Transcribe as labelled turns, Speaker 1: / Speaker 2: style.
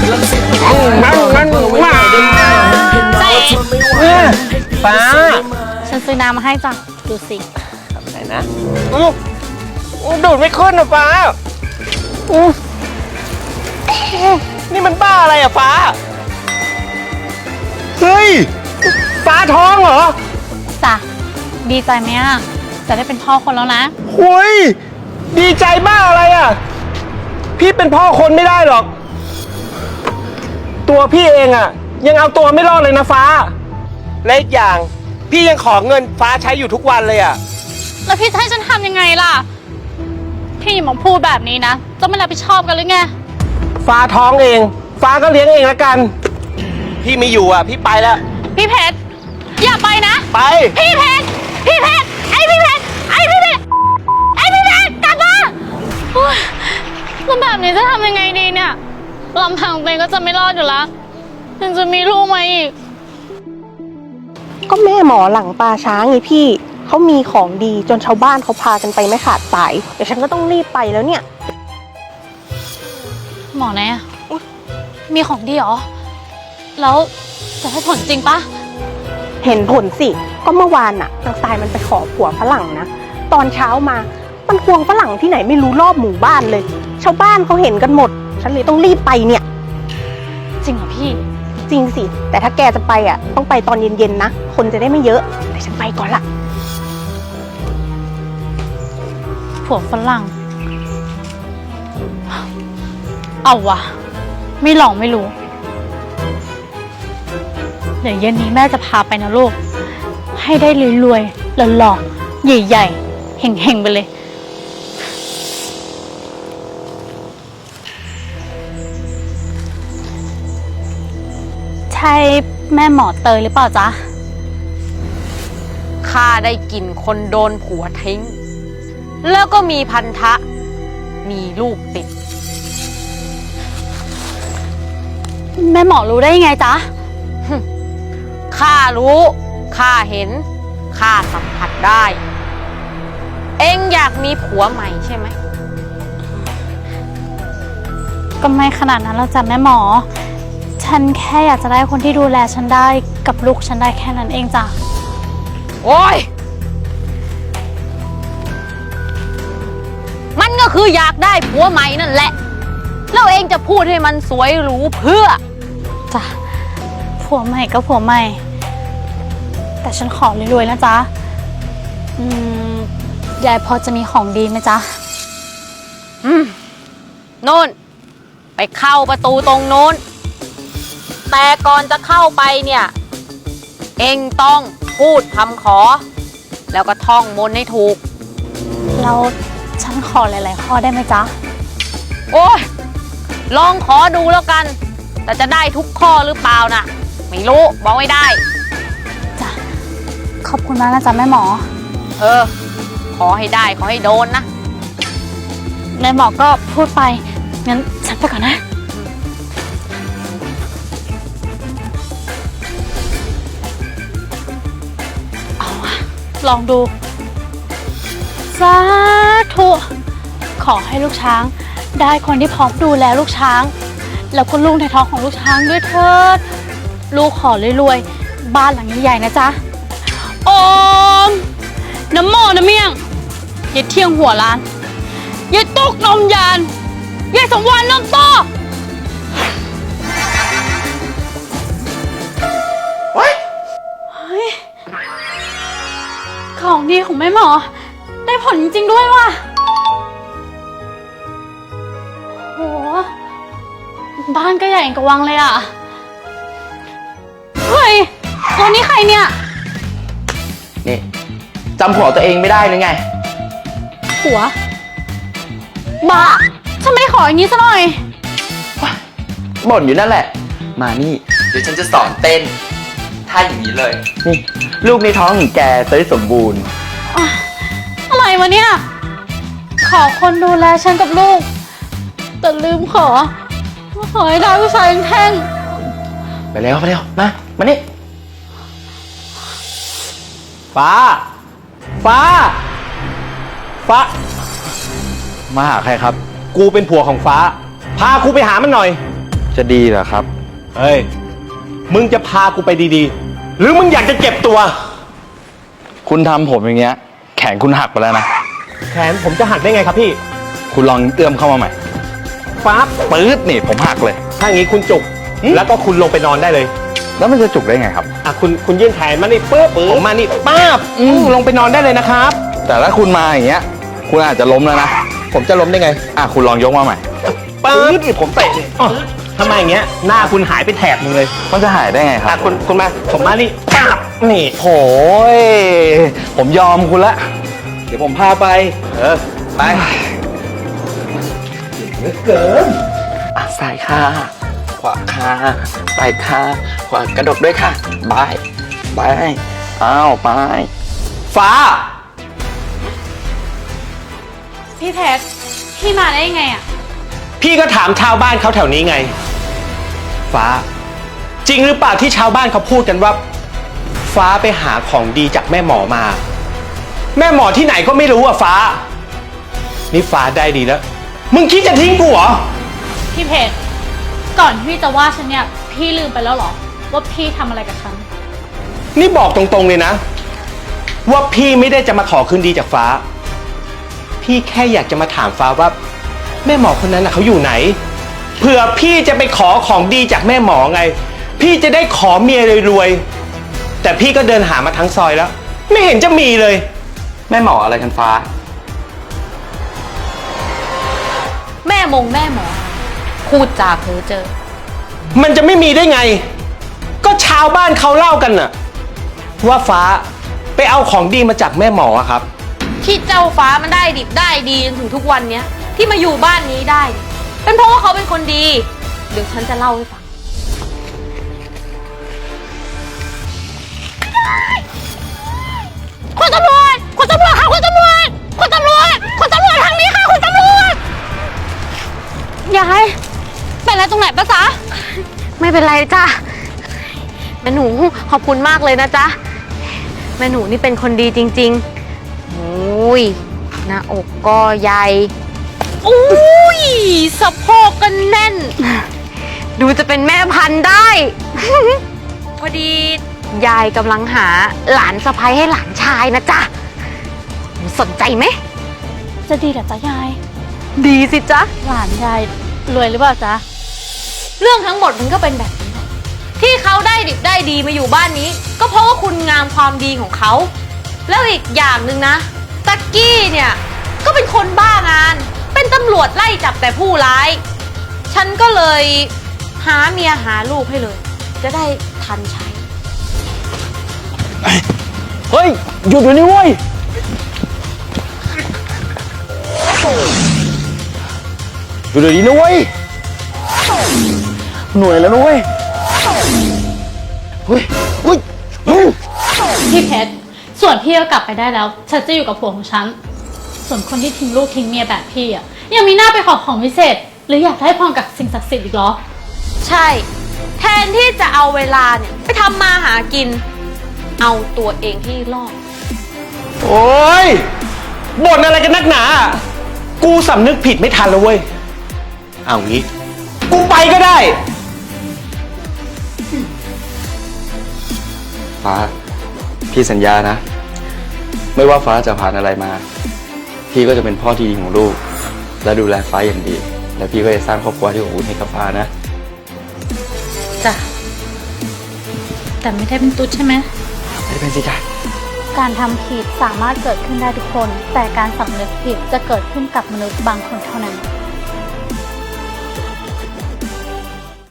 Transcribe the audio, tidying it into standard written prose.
Speaker 1: ฟ้า
Speaker 2: ฉันซื้อน้ำมาให้จ้ะดูสิ
Speaker 1: ไหนนะดูดไม่ขึ้นนะฟ้านี่มันบ้าอะไรอะฟ้าเฮ้ยฟ้าท้องเหรอ
Speaker 2: จ้ะดีใจไหมอ่ะจะได้เป็นพ่อคนแล้วนะ
Speaker 1: เฮ้ยดีใจบ้าอะไรอะพี่เป็นพ่อคนไม่ได้หรอกตัวพี่เองอะยังเอาตัวไม่รอดเลยนะฟ้าและอีกอย่างพี่ยังขอเงินฟ้าใช้อยู่ทุกวันเลยอะ
Speaker 2: แล้วพี่จะให้ฉันทำยังไงล่ะพี่อย่ามาพูดแบบนี้นะจะไม่รับผิดชอบกันหรือไง
Speaker 1: ฟ้าท้องเองฟ้าก็เลี้ยงเองละกันพี่ไม่อยู่อ่ะพี่ไปแล้ว
Speaker 2: พี่เพชรอย่าไปนะ
Speaker 1: ไป
Speaker 2: พี่เพชรพี่เพชรไอพี่เพชรไอพี่เพชรไอพี่เพชรกลับมาแล้วแบบนี้จะทำยังไงดีเนี่ยลำพังตัวเองก็จะไม่รอดอยู่แล้วยังจะมีลูกมาอีก
Speaker 3: ก็แม่หมอหลังปลาช้างไงพี่เขามีของดีจนชาวบ้านเขาพากันไปไม่ขาดสายเดี๋ยวฉันก็ต้องรีบไปแล้วเนี่ย
Speaker 2: หมอไหนอะมีของดีเหรอแล้วจะให้ผลจริงปะ
Speaker 3: เห็นผลสิก็เมื่อวานน่ะนางทรายมันไปขอผัวฝรั่งนะตอนเช้ามามันควงฝรั่งที่ไหนไม่รู้รอบหมู่บ้านเลยชาวบ้านเขาเห็นกันหมดฉันเลยต้องรีบไปเนี่ย
Speaker 2: จริงเหรอพี่
Speaker 3: จริงสิแต่ถ้าแกจะไปอ่ะต้องไปตอนเย็นๆนะคนจะได้ไม่เยอะแต่ฉันไปก่อนละ
Speaker 2: ผัวฝรั่งเอาวะไม่ลองไม่รู้เดี๋ยวเย็นนี้แม่จะพาไปนะลูกให้ได้รวยๆหล่อๆใหญ่ๆเห่งๆไปเลยใช่แม่หมอเตยหรือเปล่าจ๊ะ
Speaker 4: ข้าได้กลิ่นคนโดนผัวทิ้งแล้วก็มีพันธะมีลูกติด
Speaker 2: แม่หมอรู้ได้ยังไงจ๊ะ
Speaker 4: ข้ารู้ข้าเห็นข้าสัมผัสได้เอ็งอยากมีผัวใหม่ใช่ไหม
Speaker 2: ก็ไม่ขนาดนั้นแล้วจ้ะแม่หมอฉันแค่อยากจะได้คนที่ดูแลฉันได้กับลูกฉันได้แค่นั้นเองจ้ะ
Speaker 4: โอ้ยมันก็คืออยากได้ผัวใหม่นั่นแหละแล้วเองจะพูดให้มันสวยหรูเพื่อ
Speaker 2: จ้ะผัวใหม่ก็ผัวใหม่แต่ฉันขอรวยๆนะจ๊ะยายพอจะมีของดีไหมจ๊ะ
Speaker 4: โน่นไปเข้าประตูตรงโน้นแต่ก่อนจะเข้าไปเนี่ยเอ็งต้องพูดคำขอแล้วก็ท่องมนต์ให้ถูก
Speaker 2: แล้วฉันขอหลายๆข้อได้ไหมจ๊ะ
Speaker 4: โอ้ยลองขอดูแล้วกันแต่จะได้ทุกข้อหรือเปล่าน่ะไม่รู้บอกไม่ได้
Speaker 2: จ้ะขอบคุณมากนะจ๊ะแม่หมอ
Speaker 4: ขอให้ได้ขอให้โดนนะ
Speaker 2: แม่หมอก็พูดไปงั้นฉันไปก่อนนะเอาวะลองดูสาธุขอให้ลูกช้างได้คนที่พร้อมดูแลลูกช้างแล้วก็ลูกในท้องของลูกช้างด้วยเถิดลูกขอรวยๆบ้านหลังใหญ่ๆนะจ๊ะโอมน้ำโมน้ำเมี่ยงยายเที่ยงหัวล้านยายตุกนมยานยายสมวรรณนมโตเฮ้ยของดีของแม่หมอได้ผลจริงๆด้วยว่ะโหบ้านก็ใหญ่กว่าวังเลยอ่ะเฮ้ยตัวนี้ใครเนี่ย
Speaker 1: นี่จำผัวตัวเองไม่ได้หรือไง
Speaker 2: ผัวบ้าฉันไม่ขออย่างนี้ซะหน่อย
Speaker 1: บ่นอยู่นั่นแหละมานี่เดี๋ยวฉันจะสอนเต้นท่าอย่างนี้เลยนี่ลูกในท้องของแกจะได้สมบูรณ์
Speaker 2: อะไรวะเนี่ยขอคนดูแลฉันกับลูกแต่ลืมขอให้ได้ผู้ชายแท่ง
Speaker 1: ไปเร็วมานี่ฟ้ามาหาใครครับกูเป็นผัวของฟ้าพากูไปหามันหน่อยจะดีเหรอครับ
Speaker 5: เฮ้ย มึงจะพากูไปดีๆ หรือมึงอยากจะเจ็บตัว
Speaker 1: คุณทำผมอย่างเงี้ย แขนคุณหักไปแล้วนะ
Speaker 5: แขนผมจะหักได้ไงครับพี่
Speaker 1: คุณลองเอื้อมเข้ามาใหม่
Speaker 5: ปั๊บ
Speaker 1: ปื๊ดนี่ผมหักเลย
Speaker 5: ถ้าอย่างนี้คุณจุก แล้วก็คุณลงไปนอนได้เลย
Speaker 1: แล้วมันจะจุกได้ไงครับ
Speaker 5: อ่ะคุณยื่นแขนมานี่ปึ๊บผมมานี่ป๊าบลงไปนอนได้เลยนะครับ
Speaker 1: แต่ถ้าคุณมาอย่างเงี้ย คุณอาจจะล้มแล้วนะ
Speaker 5: ผมจะล้มได้ไง
Speaker 1: คุณลองยกมาใหม่
Speaker 5: ป๊าบผมเตะอ๋อทำไมอย่างเงี้ย หน้าคุณหายไปแถบหนึงเลย
Speaker 1: มันจะหายได้ไงค
Speaker 5: อ่ะ
Speaker 1: รับ
Speaker 5: คุณมา ผมมานี่ป๊าบนี่
Speaker 1: โอ้ยผมยอมคุณละ เดี๋ยวผมพาไป
Speaker 5: ไป
Speaker 1: ซ้ายค่ะ ขวาค่ะไปค่ะ ขวากระดกด้วยค่ะบายบายอ้าวไป
Speaker 5: ฟ้า
Speaker 2: พี่เพชรพี่มาได้ยังไงอะ
Speaker 5: พี่ก็ถามชาวบ้านเขาแถวนี้ไง ฟ้า จริงหรือเปล่าที่ชาวบ้านเขาพูดกันว่า ฟ้าไปหาของดีจากแม่หมอมา แม่หมอที่ไหนก็ไม่รู้อ่ะฟ้า นี่ฟ้าได้ดีแล้ว มึงคิดจะทิ้งกูเหรอ
Speaker 2: พี่เพชรก่อนที่พี่จะว่าฉันเนี่ยพี่ลืมไปแล้วเหรอว่าพี่ทำอะไรกับฉัน
Speaker 5: นี่บอกตรงๆเลยนะ ว่าพี่ไม่ได้จะมาขอคืนดีจากฟ้า พี่แค่อยากจะมาถามฟ้าว่า แม่หมอคนนั้นน่ะเขาอยู่ไหนเผื่อพี่จะไปขอของดีจากแม่หมอไง พี่จะได้ขอเมียรวยๆแต่พี่ก็เดินหามาทั้งซอยแล้ว ไม่เห็นจะมีเลย
Speaker 1: แม่หมออะไรกันฟ้า
Speaker 4: แม่หมอ พูดจาเพ้อเจ้อ
Speaker 5: มันจะไม่มีได้ไง ก็ชาวบ้านเขาเล่ากันน่ะ ว่าฟ้าไปเอาของดีมาจากแม่หมออะครับ
Speaker 4: ที่เจ้าฟ้ามันได้ดิบได้ดีจนถึงทุกวันเนี้ยที่มาอยู่บ้านนี้ได้เนี่ยเป็นเพราะว่าเขาเป็นคนดี เดี๋ยวฉันจะเล่าให้ฟัง
Speaker 2: คุณตำรวจค่ะคุณตำรวจทางนี้ค่ะคุณตำรวจยายเป็นอะไรตรงไหนปะจ๊ะ
Speaker 4: ไม่เป็นไรจ้ะแม่หนูขอบคุณมากเลยนะจ๊ะแม่หนูนี่เป็นคนดีจริงๆโอ้ยหน้าอกก็ใหญ่อุ้ยสะโพกก็แน่น ดูจะเป็นแม่พันธุ์ได้ พอดียายกำลังหาหลานสะใภ้ให้หลานชายนะจ๊ะหนูสนใจไหม
Speaker 2: จะดีเหรอจ๊ะยาย
Speaker 4: ดีสิจ๊ะ
Speaker 2: หลานยายรวยหรือเปล่าจ๊ะ
Speaker 4: เรื่องทั้งหมดมันก็เป็นแบบนี้แหละที่เขาได้ดิบได้ดีมาอยู่บ้านนี้ ก็เพราะว่าคุณงามความดีของเขา แล้วอีกอย่างหนึ่งนะตักกี้เนี่ยก็เป็นคนบ้างาน เป็นตำรวจไล่จับแต่ผู้ร้าย ฉันก็เลยหาเมียหาลูกให้เลย จะได้ทันใช้
Speaker 1: เฮ้ย หยุดเดี๋ยวนี้เว้ย หยุดเดี๋ยวนี้นะเว้ย หน่วยแล้วนะเว้ย เฮ้ย เฮ้ย
Speaker 2: พี่เพชรส่วนพี่ก็กลับไปได้แล้ว ฉันจะอยู่กับผัวของฉัน ส่วนคนที่ทิ้งลูกทิ้งเมียแบบพี่อ่ะยังมีหน้าไปขอของพิเศษ หรืออยากได้พรกับสิ่งศักดิ์สิทธิ์อีกเหรอ
Speaker 4: ใช่ แทนที่จะเอาเวลาเนี่ยไปทำมาหากิน เอาตัวเองที่รอด
Speaker 5: โอ้ยบ่นอะไรกันนักหนา กูสำนึกผิดไม่ทันแล้วเว้ย เอางี้ กูไปก็ได้
Speaker 1: ฟ้า พี่สัญญานะ ไม่ว่าฟ้าจะผ่านอะไรมา พี่ก็จะเป็นพ่อที่ดีของลูก และดูแลฟ้าอย่างดี และพี่ก็จะสร้างครอบครัวที่อบอุ่นให้กับฟ้านะ
Speaker 2: จ้ะ แต่ไม่ได้เป็นตุ๊ดใช่ไหม
Speaker 1: ไม่ได้เป็นสิจ้ะ
Speaker 2: การทำผิดสามารถเกิดขึ้นได้ทุกคน แต่การสำนึกผิดจะเกิดขึ้นกับมนุษย์บางคนเท่านั้น